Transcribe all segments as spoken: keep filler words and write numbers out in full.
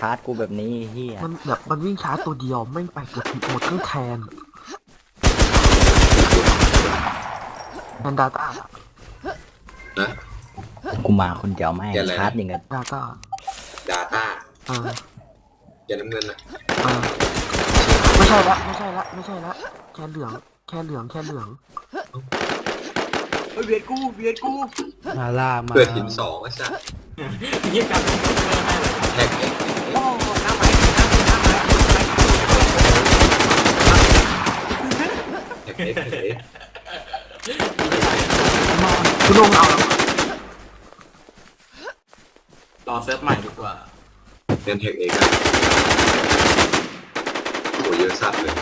าร์จกูแบบนี้เฮียมันแบบมันวิ่งช้าตัวเดียวไม่ไปเกือบหมดเครื่องแทนแอนดาต้านะกูมาคนเดียวไม่ชาร์จอย่างเงี้ยดาต้าดาต้าอ่าแกน้ำเงินอ่ะอ่าไม่ใช่ละไม่ใช่ละไม่ใช่ละแค่เหลืองแค่เหลืองแค่เหลืองเฮ้ยเบียดกูเบียดกูมาล่ามาเกิดหินสองไอ้สัสยี่กันแท็กเอ็กโอ้หน้าไม้หน้าไม้หน้าไม้แท็กเอ็กแท็กเอ็กคุณลงเอารอเซิร์ฟใหม่ดีกว่าเล่นแท็กเอ็กอะโหเยอะสัตว์เลย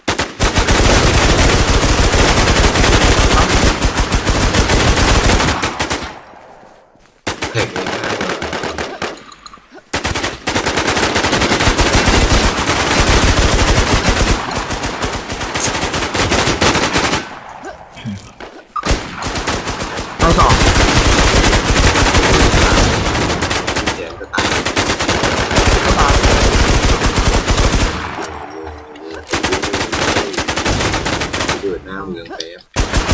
แท็กเอ็กง่ายเลยไปสองแจมก็ตายเกิดหน้าเมืองแป๊บ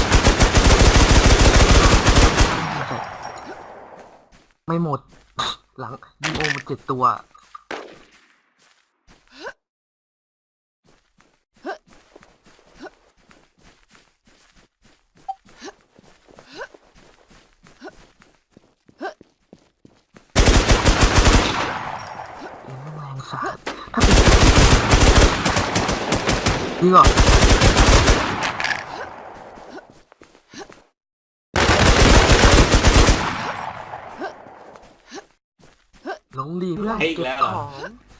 ไม่หมดหลังยิงโอมาเจ็ดตัวถ้าเป็นจริงเหรอลงดีเพื่อนเก็บของ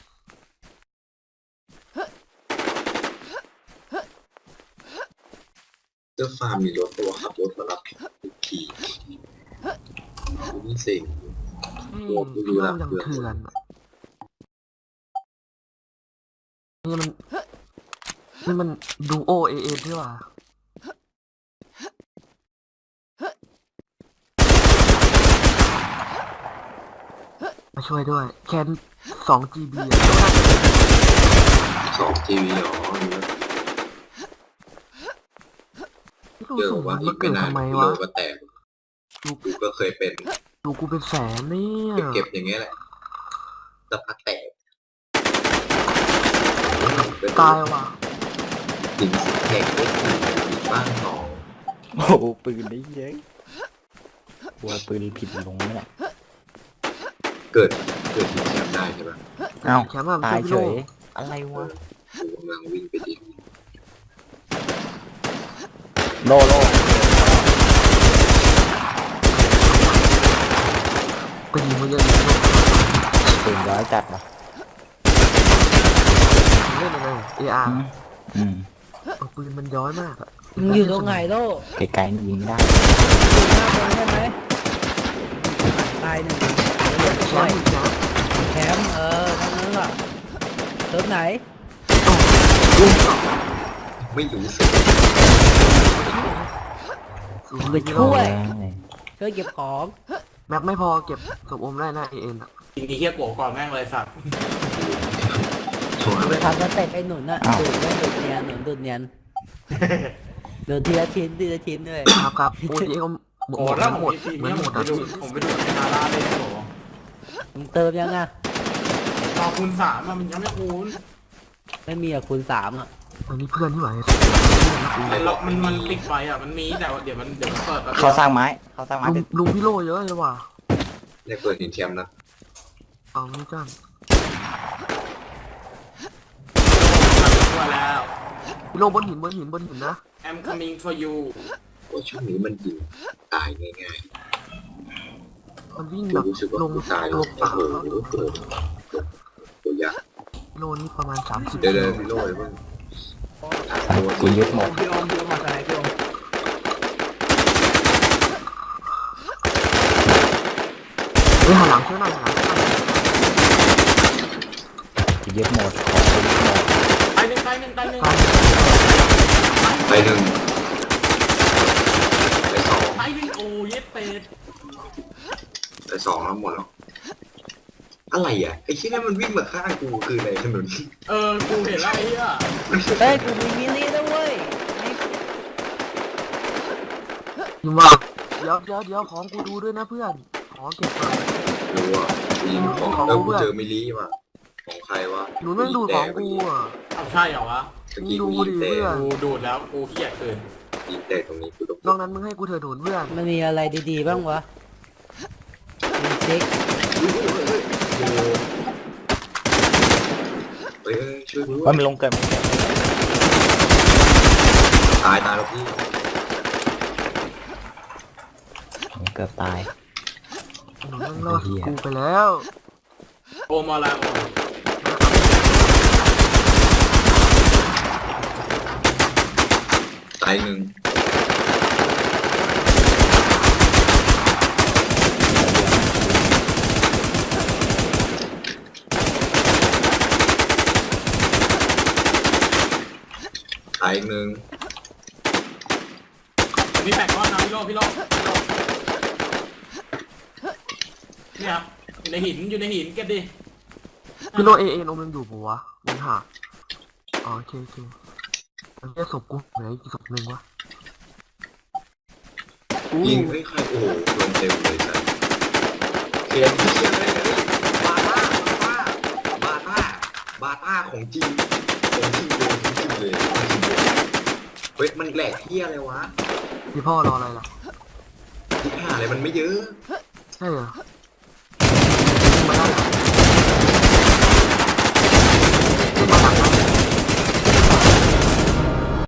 เจ้าฟาร์มมีรถตัวขับรถมารับขี่นี่สิพี่โลยังเถื่อนนี่มันนี่มันดูโอเอเอใช่ป่ะมาช่วยด้วยแคนสองจีบีสองจีบีอ๋อเจอว่าอีกไม่นานโลก็แตกดูกูก็เคยเป็นดูกูเป็นแสนเนี่ยเก็บอย่างเงี้ยแหละสักพักแตกตายว่ะถึงแตกได้บ้างหนอโอ้โหปืนได้เยอะกลัวปืนผิดลงไหมล่ะเกิดเกิดที่แชมป์ได้ใช่ปะเอ้าตายเฉยอะไรวะกูกำลังวิ่งไปดิโลโลไปยิงมันเยอะปืนร้อยจัดวะเล่นยังไงเออาร์อืมปืนมันย้อยมากอะมึงอยู่ตรงไหนโลไกลๆยิงไม่ได้อยู่หน้าตรงใช่ไหมตายหนึ่งใช่แคมป์เออทั้งนั้นล่ะเติมไหนไม่รู้สึกไปช่วยช่วยเก็บของแม็กไม่พอเก็บศพอมได้นะเอ็นอ่ะจริงๆเฮียโกก่อนแม่งเลยสัตว์ไปทำสเต็ปไอ้หนุนน่ะดูดไม่ดูดเนียนหนุนดูดเนียนดูทีละชิ้นทีละชิ้นด้วยครับครับโอ้ยเขาโกรธแล้วผมเหมือนหมดไปดูผมไปดูในนาราเลยโกมึงเติมยังอ่ะต่อคูณสามมันยังไม่คูณไม่มีอะคูณสามอ่ะมันมีเพื่อนที่ไหนไอ้ล็อกมันมันปิดไฟอ่ะมันมีแต่ว่าเดี๋ยวมันเดี๋ยวมันเปิดเขาสร้างไม้เขาสร้างไม้ลุงพี่โลเยอะเลยว่ะได้เปิดหินเทียมนะเอาไม่จ้างแล้วพี่โลบนหินบนหินบนหินนะ I'm coming for you ว่าช่วงนี้มันยิงตายง่ายๆมันวิ่งแบบลงตายตัวเปล่าตัวยักษ์โลนี่ประมาณสามสิบเดี๋ยวพี่โลเลยเพิ่งกูยึดหมดพี่อมพี่อมมาไหนพี่อมเฮ้ยหันหลังช่วยหน่อยหันหลังกูยึดหมดไปหนึ่งไปหนึ่งไปหนึ่งไปหนึ่งไปสองไปหนึ่งโอ้ยเป็ดไปสองแล้วหมดแล้วอะไรอ่ะไอ้ที่นั่นมันวิ่งมาข้างกูคืออะไรถนนเออกูเห็นแล้วไอ้เหี้ยเฮ้ยกูมีมินินะเว้ยไอ้ยิงว่าเดี๋ยวเดี๋ยวเดี๋ยวของกูดูด้วยนะเพื่อนของเก็บก่อนรู้อ่ะยิงของแล้วกูเจอมิลลี่ว่ะของใครวะหนูไม่ดูดของกูอ่ะเอาใช่เหรอวะตะกี้กูยิงแต่กูดูดแล้วกูเขี้ยเกินยิงแต่ตรงนี้กูต้องนอกนั้นมึงให้กูเถอะหนุนเพื่อนมันมีอะไรดีๆบ้างวะมีซิกเฮ้ยช่วยกูด้วว่าย มันลงเกินตายตายแล้วพี่เกือบตายหนุนแม่งรอดกูไปแล้วโอมาลาโอตายหนึ่งตายหนึ่งมีแปดก้อนนะพี่โลพี่โลพี่โลเนี่ยครับอยู่ในหินอยู่ในหินเก็บดิพี่โลเอเอ็นอมยังอยู่ปะวะมันหาอ๋อโอเคโอเคมันแค่ศพกูเหลืออีกศพหนึ่งวะยิงเฮ้ยใครโอ้โหโดนเต็มเลยสัสเขียนเขียนเลยเลยบาต้าบาต้าบาต้าบาต้าของจริงของจริงเลยของจริงเลยของจริงเลยเฮ้ยมันแหลกเที่ยอะไรวะพี่พ่อรออะไรล่ะที่หาอะไรมันไม่เยอะใช่เหรอ